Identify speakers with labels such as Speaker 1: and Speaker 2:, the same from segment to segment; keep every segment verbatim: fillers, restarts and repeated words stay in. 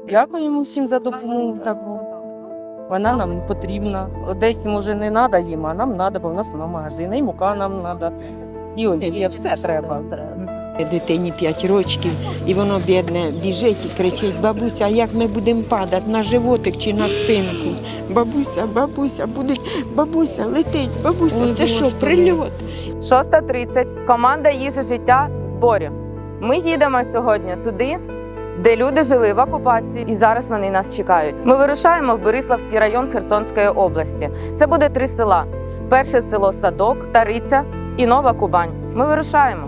Speaker 1: Дякуємо всім за допомогу таку. Вона нам потрібна. Деяким може не треба їм, а нам треба, бо в нас немає магазину. І мука нам треба, і олія, все треба.
Speaker 2: Дитині п'ять років, і воно, бідне, біжить і кричить: бабуся, а як ми будемо падати, на животик чи на спинку? Бабуся, бабуся, буде, бабуся, летить, бабуся,
Speaker 1: Ой,
Speaker 2: це що,
Speaker 1: Господи.
Speaker 2: прильот?
Speaker 3: шоста тридцять. Команда «Їжа життя» в зборі. Ми їдемо сьогодні туди, де люди жили в окупації, і зараз вони нас чекають. Ми вирушаємо в Бориславський район Херсонської області. Це буде три села. Перше село Садок, Стариця і Нова Кубань. Ми вирушаємо.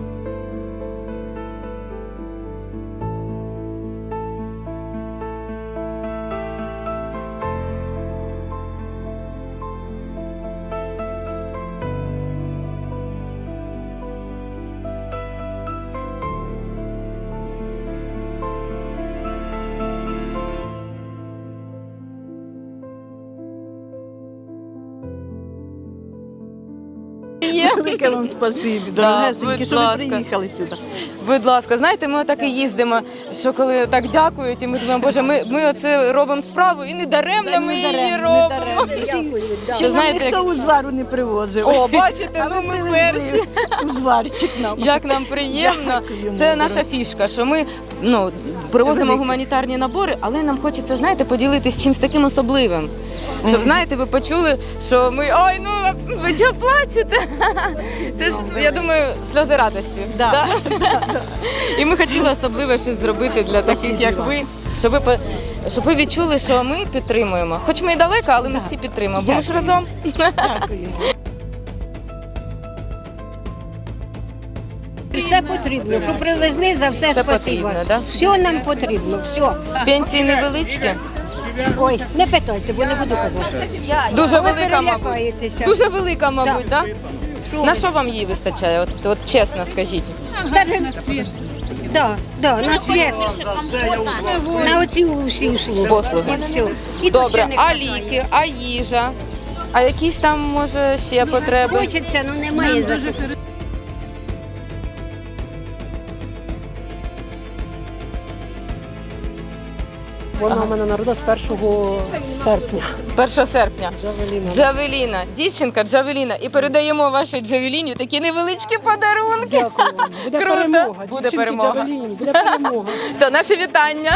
Speaker 2: Велике вам спасибі,
Speaker 3: Да,
Speaker 2: дорогесенькі,
Speaker 3: будь
Speaker 2: що ви
Speaker 3: ласка.
Speaker 2: приїхали сюди.
Speaker 3: Будь ласка, знаєте, ми отак і їздимо, що коли так дякують, і ми думаємо, боже, ми, ми оце робимо справу, і не даремно ми її робимо.
Speaker 2: Що нам
Speaker 3: знаєте,
Speaker 2: ніхто узвару не привозив.
Speaker 3: О, бачите,
Speaker 2: А
Speaker 3: ну
Speaker 2: ви
Speaker 3: ми
Speaker 2: привезли
Speaker 3: перші.
Speaker 2: узварчик нам.
Speaker 3: Як нам приємно.
Speaker 2: Дякуємо,
Speaker 3: Це
Speaker 2: дорога.
Speaker 3: наша фішка, що ми ну, привозимо
Speaker 2: Велике.
Speaker 3: гуманітарні набори, але нам хочеться, знаєте, поділитися чимось таким особливим. Щоб, знаєте, ви почули, що ми, ой, ну, ви чого плачете? Це ж, я думаю, сльози радості.
Speaker 2: Да.
Speaker 3: І ми хотіли особливо щось зробити для таких,
Speaker 2: Спасибі
Speaker 3: як
Speaker 2: вам.
Speaker 3: ви, щоб ви, по- щоб ви відчули, що ми підтримуємо. Хоч ми і далеко, але ми всі підтримуємо, бо ми ж разом.
Speaker 2: Дякуємо.
Speaker 4: Все потрібно, що привезли, за все,
Speaker 3: Все
Speaker 4: спасибо.
Speaker 3: потрібно, да?
Speaker 4: Все нам потрібно, все.
Speaker 3: Пенсії невеличкі,
Speaker 4: Ой, не питайте, бо не буду казати.
Speaker 3: дуже
Speaker 4: Ви
Speaker 3: велика, мабуть.
Speaker 4: перелякаєтеся.
Speaker 3: Дуже велика, мабуть, так?
Speaker 4: Що
Speaker 3: На
Speaker 4: ви?
Speaker 3: що вам її вистачає? От, от чесно скажіть.
Speaker 4: Даже- Да, да, на світ. На оці усі услуги.
Speaker 3: Послуги.
Speaker 4: І все. І то
Speaker 3: Добре,
Speaker 4: ще не
Speaker 3: а
Speaker 4: хватає.
Speaker 3: ліки, а їжа, а якісь там, може, ще потреби?
Speaker 4: Хочеться, ну немає за що.
Speaker 5: Вона в мене народилась першого серпня.
Speaker 3: першого серпня.
Speaker 5: Джавеліна.
Speaker 3: Джавеліна, дівчинка Джавеліна. І передаємо вашій Джавеліні такі невеличкі подарунки.
Speaker 5: Дякую вам. Буде
Speaker 3: Круто.
Speaker 5: перемога.
Speaker 3: Буде
Speaker 5: Дівчинки
Speaker 3: перемога.
Speaker 5: Джавеліні, буде перемога.
Speaker 3: Все, наше вітання.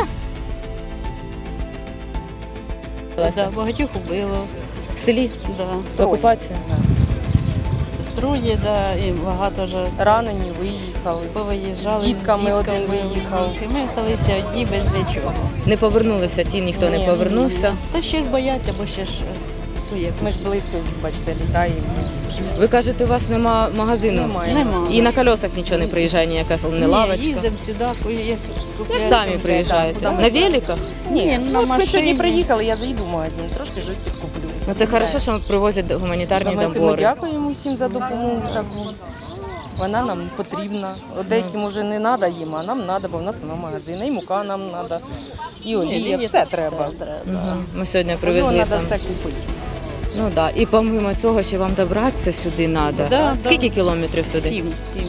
Speaker 6: Да, багатьох убило,
Speaker 3: В селі
Speaker 6: да.
Speaker 3: в окупацію.
Speaker 6: Троє, да, і багато вже це
Speaker 1: Ранені виїхали.
Speaker 6: повиїжджали
Speaker 1: з дітками один
Speaker 6: дітками.
Speaker 1: виїхав.
Speaker 6: І ми залишилися одні без нічого.
Speaker 3: Не повернулися ті, ніхто не
Speaker 1: Ні,
Speaker 3: повернувся.
Speaker 6: Та ще ж бояться, бо ще ж ну, як
Speaker 1: Ми ж близько, бачите, літаємо.
Speaker 3: Ви кажете, у вас нема магазину?
Speaker 1: Немає.
Speaker 6: Нема.
Speaker 3: І на колесах нічого не приїжджає, ніяка не
Speaker 6: Ні,
Speaker 3: лавочка.
Speaker 6: їздимо сюди, як скупляємо.
Speaker 3: Самі приїжджаєте.
Speaker 1: Да, куди
Speaker 3: На
Speaker 1: ми-
Speaker 3: великах?
Speaker 1: Ні,
Speaker 6: на
Speaker 1: ну, от ми
Speaker 6: машині.
Speaker 1: сьогодні приїхали, я заїду в магазин, трошки щось підкуплю.
Speaker 3: Ну це хорошо, що привозять гуманітарні
Speaker 1: Ми, ми
Speaker 3: набори.
Speaker 1: дякуємо всім за допомогу таку. Вона нам потрібна. Деяким може не треба їм, а нам треба, бо в нас немає магазину. І мука нам треба, і олія, все треба.
Speaker 3: Мгм. Ми сьогодні
Speaker 1: Його
Speaker 3: привезли
Speaker 1: треба
Speaker 3: там.
Speaker 1: все купити.
Speaker 3: Ну так. Да. І помимо цього, ще вам добратися сюди треба.
Speaker 6: Да,
Speaker 3: Скільки
Speaker 6: да.
Speaker 3: кілометрів туди?
Speaker 6: Сім, сім.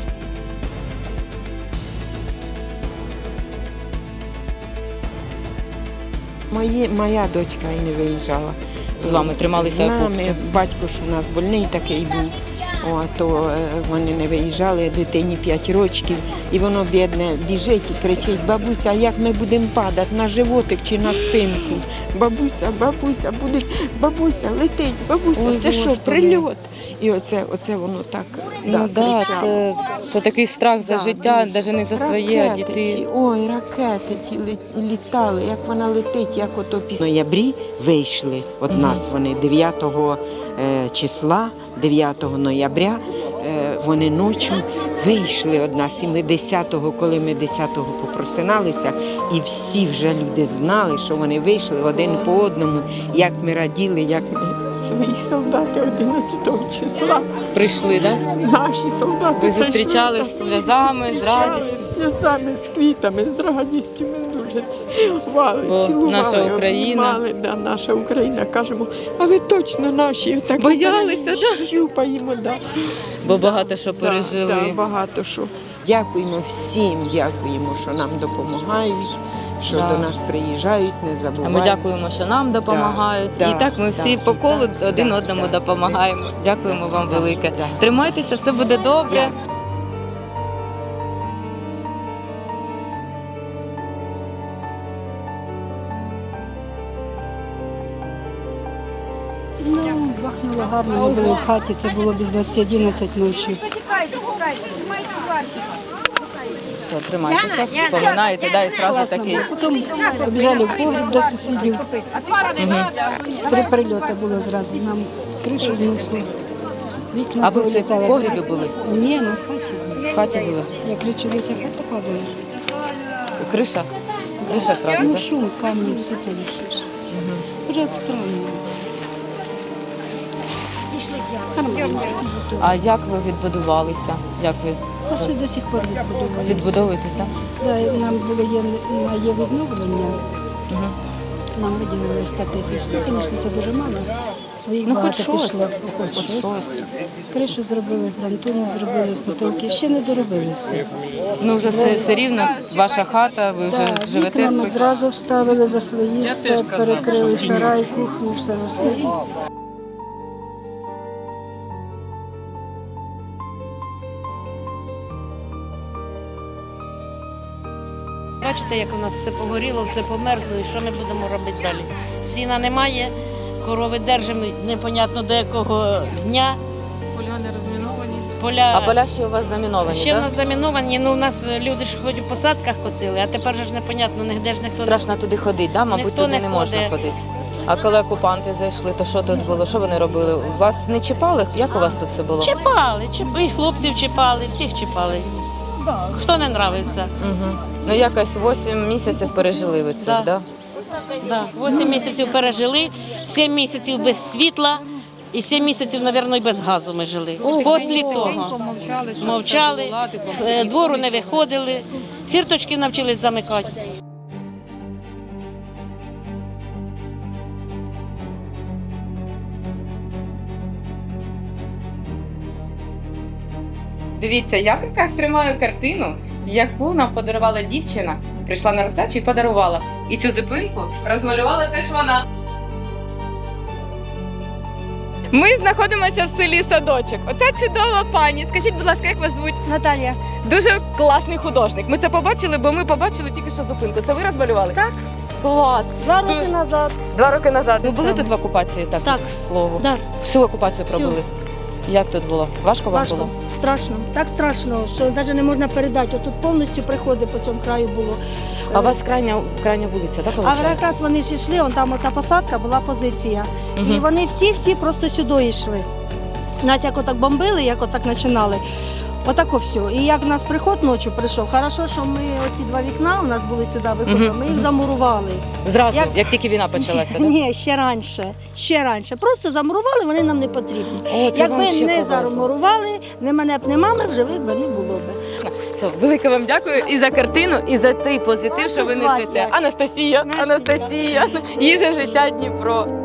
Speaker 2: Мої, моя дочка і не виїжджала.
Speaker 3: З вами трималися
Speaker 2: З нами,
Speaker 3: окопки?
Speaker 2: батько ж у нас больний такий був. О, то е, вони не виїжджали, дитині п'ять років, і воно, бідне, біжить і кричить: бабуся, а як ми будемо падати, на животик чи на спинку? Бабуся, бабуся, буде, бабуся, летить, бабуся,
Speaker 3: Ой,
Speaker 2: це що,
Speaker 3: Господи.
Speaker 2: прильот? І оце, оце воно так,
Speaker 3: Ну
Speaker 2: да,
Speaker 3: так, да,
Speaker 2: кричало.
Speaker 3: це, це такий страх за
Speaker 2: Да,
Speaker 3: життя,
Speaker 2: дуже.
Speaker 3: навіть не за своє, а
Speaker 2: Ракети
Speaker 3: дітей.
Speaker 2: ті, ой, ракети ті лі- літали, як вона летить, як ото після. В ноябрі вийшли від нас вони дев'ятого е, числа, дев'ятого ноября, е, вони ночі вийшли від нас. І ми десятого, коли ми десятого попросиналися, і всі вже люди знали, що вони вийшли один по одному, як ми раділи, як ми свої солдати одинадцятого числа.
Speaker 3: Прийшли, так? Да?
Speaker 2: Наші солдати
Speaker 3: Ви зустрічали
Speaker 2: прийшли,
Speaker 3: з сльозами, з
Speaker 2: зустрічали
Speaker 3: радістю?
Speaker 2: з сльозами, з квітами, з радістю. Ми дуже цілували,
Speaker 3: Бо
Speaker 2: цілували,
Speaker 3: наша Україна.
Speaker 2: обнімали, да, наша Україна. Кажемо, а ви точно наші. Так
Speaker 3: Боялися,
Speaker 2: да? Щупаємо, да.
Speaker 3: Бо багато що
Speaker 2: Да,
Speaker 3: пережили.
Speaker 2: да, багато що. Дякуємо всім, дякуємо, що нам допомагають. що
Speaker 3: Да.
Speaker 2: до нас приїжджають, не
Speaker 3: А
Speaker 2: забувають.
Speaker 3: ми дякуємо, що нам допомагають.
Speaker 2: Да,
Speaker 3: І так ми всі
Speaker 2: да,
Speaker 3: по колу
Speaker 2: да,
Speaker 3: один
Speaker 2: да,
Speaker 3: одному
Speaker 2: да,
Speaker 3: допомагаємо. Дякуємо вам
Speaker 2: Да,
Speaker 3: велике.
Speaker 2: да.
Speaker 3: Тримайтеся, все буде добре.
Speaker 5: Ну, бахнуло гарно, ми були в хаті, це було без двадцяти одинадцять ночі.
Speaker 3: Все, тримайтеся, вспоминаєте, да, і одразу такий.
Speaker 5: Потім побіжали в погріб до сусідів. Три прильоти було зразу. Нам кришу знесли. Вікна
Speaker 3: А ви в цій
Speaker 5: повилітали.
Speaker 3: погрібі були?
Speaker 5: Ні, ми в хаті.
Speaker 3: В хаті були?
Speaker 5: Я кричу, ця хата падає.
Speaker 3: Криша? Криша одразу,
Speaker 5: Ну,
Speaker 3: так?
Speaker 5: шум, камні сипалися. Дуже странно. Нормально.
Speaker 3: А як ви відбудувалися? Як ви
Speaker 5: А ще до сих пор відбудовується.
Speaker 3: відбудовуєтесь, так?
Speaker 5: Да, і нам було є, на є відновлення.
Speaker 3: Угу.
Speaker 5: Нам виділили сто тисяч. Ну, звісно, це дуже мало. Своїх
Speaker 3: Ну,
Speaker 5: багато
Speaker 3: хоч щось.
Speaker 5: пішло. Хоч,
Speaker 3: Хоч
Speaker 5: щось.
Speaker 3: щось.
Speaker 5: Кришу зробили, фронтони зробили, потолки. Ще не доробили все.
Speaker 3: Ну вже все, все рівно, ваша хата, ви вже
Speaker 5: Да,
Speaker 3: живете
Speaker 5: вікна ми
Speaker 3: спокійно.
Speaker 5: зразу вставили за свої, все перекрили, шарай, кухню, все за свої.
Speaker 7: Бачите, як у нас все погоріло, все померзло, і що ми будемо робити далі? Сіна немає, корови держимо непонятно до якого дня.
Speaker 6: Поля не розміновані.
Speaker 7: Поля,
Speaker 3: А поля ще у вас заміновані,
Speaker 7: ще в
Speaker 3: так?
Speaker 7: нас заміновані, ну у нас люди ж хоч у посадках косили, а тепер же ж непонятно, нігде ж ніхто не
Speaker 3: Страшно туди ходити, да? Мабуть,
Speaker 7: Ніхто
Speaker 3: туди
Speaker 7: не
Speaker 3: не можна
Speaker 7: ходить.
Speaker 3: ходити. А коли окупанти зайшли, то що тут було? Що вони робили? Вас не чіпали? Як у вас тут це було?
Speaker 7: чіпали, чіп- і хлопців чіпали, всіх чіпали. Хто не нравився.
Speaker 3: Угу. Ну якось вісім місяців пережили ви це,
Speaker 7: Да.
Speaker 3: да?
Speaker 7: Да. Вісім місяців пережили, сім місяців без світла і сім місяців, мабуть, і без газу ми жили. Після того
Speaker 6: Мовчали, що
Speaker 7: мовчали,
Speaker 6: все буде
Speaker 7: з
Speaker 6: ладити,
Speaker 7: е, двору не виходили, фірточки навчились замикати.
Speaker 3: Дивіться, я в руках тримаю картину, яку нам подарувала дівчина. Прийшла на роздачу і подарувала. І цю зупинку розмалювала теж вона. Ми знаходимося в селі Садочок. Оця чудова пані. Скажіть, будь ласка, як вас звуть?
Speaker 4: Наталія.
Speaker 3: Дуже класний художник. Ми це побачили, бо ми побачили тільки що зупинку. Це ви розмалювали?
Speaker 4: Так.
Speaker 3: Клас.
Speaker 4: Два
Speaker 3: Дуже-
Speaker 4: роки назад.
Speaker 3: Два роки назад. Ви були
Speaker 4: Саме.
Speaker 3: тут в окупації, так,
Speaker 4: Так.
Speaker 3: к слову?
Speaker 4: Да.
Speaker 3: Всю окупацію
Speaker 4: Всю.
Speaker 3: пробули. Як тут було? Важко вам
Speaker 4: Важко,
Speaker 3: було?
Speaker 4: страшно. Так страшно, що навіть не можна передати. Отут повністю приходи по цьому краю було.
Speaker 3: А у вас крайня, крайня вулиця, так,
Speaker 4: А
Speaker 3: виходить?
Speaker 4: якраз вони ж йшли, вон там ота посадка була позиція. І
Speaker 3: Мгм.
Speaker 4: вони всі-всі просто сюди йшли. Нас як отак бомбили, як отак починали. Отако все. І як в нас приход ночі прийшов, хорошо, що ми оці два вікна у нас були сюди виходили,
Speaker 3: Мгм,
Speaker 4: ми їх
Speaker 3: мгм.
Speaker 4: замурували.
Speaker 3: Зразу, як,
Speaker 4: Як-
Speaker 3: тільки війна почалася, так?
Speaker 4: Ні, ще раніше. Ще раніше. Просто замурували, вони нам не потрібні.
Speaker 3: О, це вам
Speaker 4: Якби
Speaker 3: ще
Speaker 4: не
Speaker 3: повезло.
Speaker 4: замурували, не мене б не мами, в живих би не було б.
Speaker 3: Все, велике вам дякую і за картину, і за той позитив, що ви
Speaker 4: Вас звати
Speaker 3: несете.
Speaker 4: як?
Speaker 3: Анастасія,
Speaker 4: Настя.
Speaker 3: Анастасія, їжа життя Дніпро.